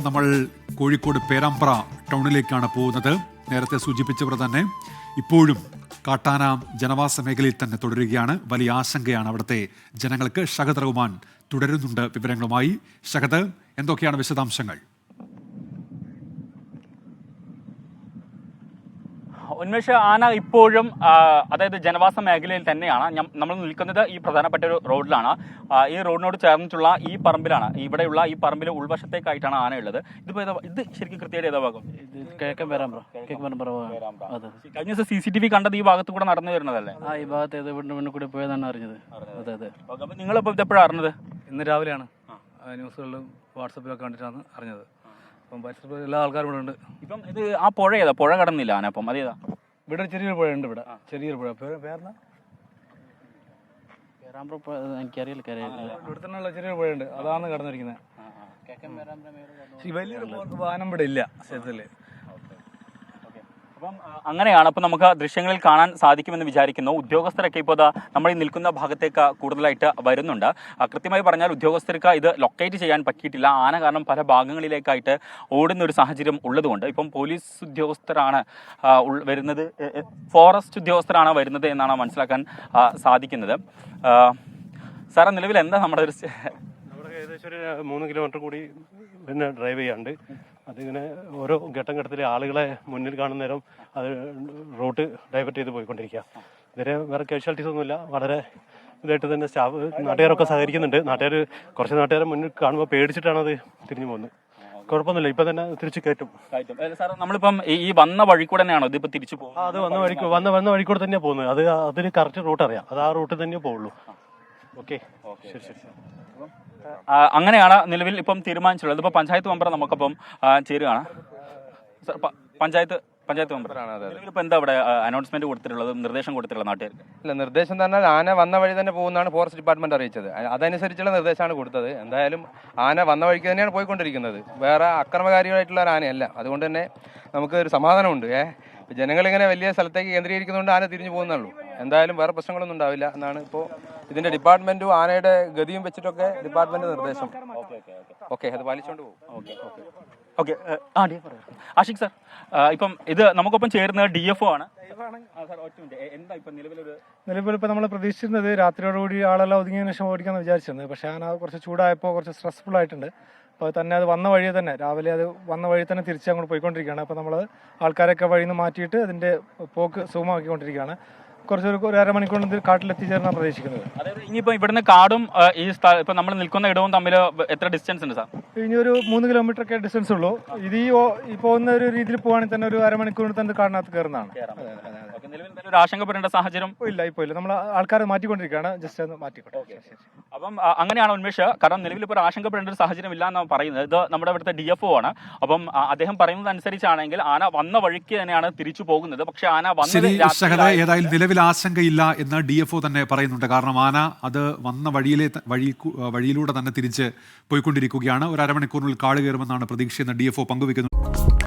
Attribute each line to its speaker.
Speaker 1: നമ്മൾ കോഴിക്കോട് പേരാമ്പ്ര ടൗണിലേക്കാണ് പോകുന്നത്. നേരത്തെ സൂചിപ്പിച്ചവർ തന്നെ ഇപ്പോഴും കാട്ടാന ജനവാസ മേഖലയിൽ തന്നെ തുടരുകയാണ്. വലിയ ആശങ്കയാണ് അവിടുത്തെ ജനങ്ങൾക്ക്. ഷഹദ് റഹ്മാൻ തുടരുന്നുണ്ട് വിവരങ്ങളുമായി. ഷഹദ്, എന്തൊക്കെയാണ് വിശദാംശങ്ങൾ?
Speaker 2: ഉന്മേഷ, ആന ഇപ്പോഴും അതായത് ജനവാസ മേഖലയിൽ തന്നെയാണ്. നമ്മൾ നിൽക്കുന്നത് ഈ പ്രധാനപ്പെട്ട ഒരു റോഡിലാണ്. ഈ റോഡിനോട് ചേർന്നിട്ടുള്ള ഈ പറമ്പിലാണ്, ഇവിടെയുള്ള ഈ പറമ്പിൽ ഉൾവശത്തേക്കായിട്ടാണ് ആന ഉള്ളത്. ഇത് ശരിക്കും കൃത്യമായിട്ട് ഏതാ ഭാഗം? കഴിഞ്ഞ ദിവസം CCTV കണ്ടത് ഈ ഭാഗത്ത് കൂടെ നടന്നു വരുന്നതല്ലേ?
Speaker 3: ഈ ഭാഗത്ത് വീണ്ടും കൂടി പോയതാണ് അറിഞ്ഞത്. അതെ അതെ.
Speaker 2: അപ്പം നിങ്ങളിപ്പോൾ ഇതെപ്പോഴാണ് അറിഞ്ഞത്?
Speaker 3: ഇന്ന് രാവിലെയാണ് ന്യൂസുകളിലും വാട്സപ്പിലൊക്കെ കണ്ടിട്ടാണ് അറിഞ്ഞത്. അപ്പം പരിസരത്ത് എല്ലാ ആൾക്കാരും ഇവിടെ ഉണ്ട്.
Speaker 2: ഇപ്പം ഇത് ആ പുഴ ഏതാ? പുഴ കടന്നില്ല ആന. അപ്പം അതേതാ?
Speaker 3: ഇവിടെ ചെറിയൊരു പുഴ ഉണ്ട്. ഇവിടെ ചെറിയൊരു പുഴ. പേരെന്താ? എനിക്കറിയില്ല. ഇവിടെ തന്നെയുള്ള ചെറിയൊരു പുഴ ഉണ്ട്. അതാണ് കടന്നിരിക്കുന്നത്. വലിയൊരു വാഹനം ഇവിടെ ഇല്ല സ്ഥലത്തില്.
Speaker 2: അപ്പം അങ്ങനെയാണ്. അപ്പം നമുക്ക് ദൃശ്യങ്ങളിൽ കാണാൻ സാധിക്കുമെന്ന് വിചാരിക്കുന്നു. ഉദ്യോഗസ്ഥരൊക്കെ ഇപ്പോൾ നമ്മൾ ഈ നിൽക്കുന്ന ഭാഗത്തേക്ക് കൂടുതലായിട്ട് വരുന്നുണ്ട്. കൃത്യമായി പറഞ്ഞാൽ ഉദ്യോഗസ്ഥർക്ക് ഇത് ലൊക്കേറ്റ് ചെയ്യാൻ പറ്റിയിട്ടില്ല. ആന കാരണം പല ഭാഗങ്ങളിലേക്കായിട്ട് ഓടുന്ന ഒരു സാഹചര്യം ഉള്ളതുകൊണ്ട് ഇപ്പം പോലീസ് ഉദ്യോഗസ്ഥരാണ് വരുന്നത്, ഫോറസ്റ്റ് ഉദ്യോഗസ്ഥരാണ് വരുന്നത് എന്നാണ് മനസ്സിലാക്കാൻ സാധിക്കുന്നത്. സാറേ, നിലവിൽ എന്താ നമ്മുടെ ഒരു
Speaker 4: ഏകദേശം ഒരു 3 കിലോമീറ്റർ കൂടി പിന്നെ ഡ്രൈവ് ചെയ്യാണ്ട് അതിങ്ങനെ ഓരോ ഘട്ടത്തിൽ ആളുകളെ മുന്നിൽ കാണുന്ന നേരം അത് റൂട്ട് ഡൈവേർട്ട് ചെയ്ത് പോയിക്കൊണ്ടിരിക്കുക. ഇതുവരെ വേറെ കാഷ്വാലിറ്റീസ് ഒന്നുമില്ല. വളരെ ഇതായിട്ട് തന്നെ സ്റ്റാഫ് നാട്ടുകാരൊക്കെ സഹകരിക്കുന്നുണ്ട്. കുറച്ച് നാട്ടുകാരെ മുന്നിൽ കാണുമ്പോൾ പേടിച്ചിട്ടാണ് അത് തിരിഞ്ഞു പോകുന്നത്. കുഴപ്പമൊന്നുമില്ല, ഇപ്പം തന്നെ തിരിച്ച് കയറ്റും.
Speaker 2: സാർ, നമ്മളിപ്പം ഈ വന്ന വഴി കൂടെ തന്നെയാണോ ഇതിപ്പോൾ തിരിച്ചു പോകുന്നത്?
Speaker 4: അത് വന്ന വഴി കൂടെ തന്നെയാണ് പോകുന്നത്. അതിന് കറക്റ്റ് റൂട്ട് അറിയാം. അത് ആ റൂട്ടിൽ തന്നെ പോവുള്ളൂ. ഓക്കെ, ശരി.
Speaker 2: അങ്ങനെയാണ് നിലവിൽ ഇപ്പം തീരുമാനിച്ചുള്ളത്. ഇപ്പോൾ പഞ്ചായത്ത് മെമ്പർ നമുക്കിപ്പം ചേരുകയാണ്. സാർ, പഞ്ചായത്ത് മെമ്പറാണ്. ഇപ്പം എന്താ ഇവിടെ അനൗൺസ്മെന്റ് കൊടുത്തിട്ടുള്ളത്, നിർദ്ദേശം കൊടുത്തിട്ടുള്ളത് നാട്ടുകാർക്ക്?
Speaker 5: ഇല്ല, നിർദ്ദേശം തന്നെ ആന വന്ന വഴി തന്നെ പോകുന്നതാണ് ഫോറസ്റ്റ് ഡിപ്പാർട്ട്മെന്റ് അറിയിച്ചത്. അതനുസരിച്ചുള്ള നിർദ്ദേശമാണ് കൊടുത്തത്. എന്തായാലും ആന വന്ന വഴിക്ക് തന്നെയാണ് പോയിക്കൊണ്ടിരിക്കുന്നത്. വേറെ അക്രമകാരികളായിട്ടുള്ള ഒരു ആനയല്ല. അതുകൊണ്ട് തന്നെ നമുക്ക് ഒരു സമാധാനമുണ്ട്. ജനങ്ങളിങ്ങനെ വലിയ സ്ഥലത്തേക്ക് കേന്ദ്രീകരിക്കുന്നതുകൊണ്ട് ആന തിരിഞ്ഞു പോകുന്നുള്ളൂ. എന്തായാലും വേറെ പ്രശ്നങ്ങളൊന്നും ഉണ്ടാവില്ല എന്നാണ് ഇപ്പോൾ ഇതിന്റെ ഡിപ്പാർട്ട്മെന്റും ആനയുടെ ഗതിയും വെച്ചിട്ടൊക്കെ ഡിപ്പാർട്ട്മെന്റ് നിർദ്ദേശം. ഓക്കെ, അത് പാലിച്ചുകൊണ്ട് പോകും.
Speaker 2: ഓക്കെ. ആഷിഖ് സാർ, ഇപ്പം ഇത് നമുക്കൊപ്പം ചേരുന്നത് DFO ആണ്.
Speaker 6: നിലവിലിപ്പോൾ നമ്മൾ പ്രതീക്ഷിച്ചിരുന്നത് രാത്രിയോടുകൂടി ആളെല്ലാം ഒതുങ്ങിയതിനു ശേഷം ഓടിക്കാമെന്ന് വിചാരിച്ചിരുന്നത്. പക്ഷേ ആന കുറച്ച് ചൂടായപ്പോൾ കുറച്ച് സ്ട്രെസ്ഫുൾ ആയിട്ടുണ്ട്. അപ്പോൾ തന്നെ അത് വന്ന വഴി തന്നെ രാവിലെ വന്ന വഴി തന്നെ തിരിച്ച് അങ്ങോട്ട് പോയിക്കൊണ്ടിരിക്കുകയാണ്. അപ്പോൾ നമ്മൾ ആൾക്കാരൊക്കെ വഴിയിൽ നിന്ന് മാറ്റിയിട്ട് അതിൻ്റെ പോക്ക് സുഗമമാക്കിക്കൊണ്ടിരിക്കുകയാണ്. ഒരു അരമണിക്കൂറിൽ കാട്ടിലെത്തിച്ചേരാൻ പ്രതീക്ഷിക്കുന്നത്.
Speaker 2: അതായത് ഇനിയിപ്പോൾ ഇവിടുന്ന് കാടും ഈ ഇപ്പം നമ്മൾ നിൽക്കുന്ന ഇടവും തമ്മിൽ എത്ര ഡിസ്റ്റൻസ് ഉണ്ട് സാർ?
Speaker 6: ഇനി ഒരു 3 കിലോമീറ്റർ ഒക്കെ ഡിസ്റ്റൻസ് ഉള്ളൂ. ഇത് ഈ പോകുന്ന ഒരു രീതിയിൽ പോവുകയാണെങ്കിൽ തന്നെ ഒരു അരമണിക്കൂറിൽ തന്നെ കാടിനകത്ത് കയറുന്നതാണ്.
Speaker 2: ഒരു ആശങ്കപ്പെടേണ്ട സാഹചര്യം
Speaker 6: ഇപ്പോൾ ഇല്ല. നമ്മൾ ആൾക്കാരെ മാറ്റിക്കൊണ്ടിരിക്കുകയാണ്. ജസ്റ്റ് ഒന്ന് മാറ്റിക്കോട്ടെ.
Speaker 2: അപ്പം അങ്ങനെയാണ് ഉന്മേഷ്. കാരണം നിലവിൽ ഇപ്പോൾ ആശങ്കപ്പെടേണ്ട ഒരു സാഹചര്യം ഇല്ല എന്നാണ് പറയുന്നത്. ഇത് നമ്മുടെ ഇവിടുത്തെ DFO ആണ്. അപ്പം അദ്ദേഹം പറയുന്നത് അനുസരിച്ചാണെങ്കിൽ ആന വന്ന വഴിക്ക് തന്നെയാണ് തിരിച്ചു പോകുന്നത്. പക്ഷെ ആന
Speaker 1: ഏതായാലും നിലവിൽ ആശങ്കയില്ല എന്ന് DFO തന്നെ പറയുന്നുണ്ട്. കാരണം ആന അത് വന്ന വഴിയിലൂടെ തന്നെ തിരിച്ച് പോയിക്കൊണ്ടിരിക്കുകയാണ്. ഒരു അരമണിക്കൂറിനുള്ളിൽ കാട് കയറുമെന്നാണ് പ്രതീക്ഷയെന്ന് DFO പങ്കുവെക്കുന്നു.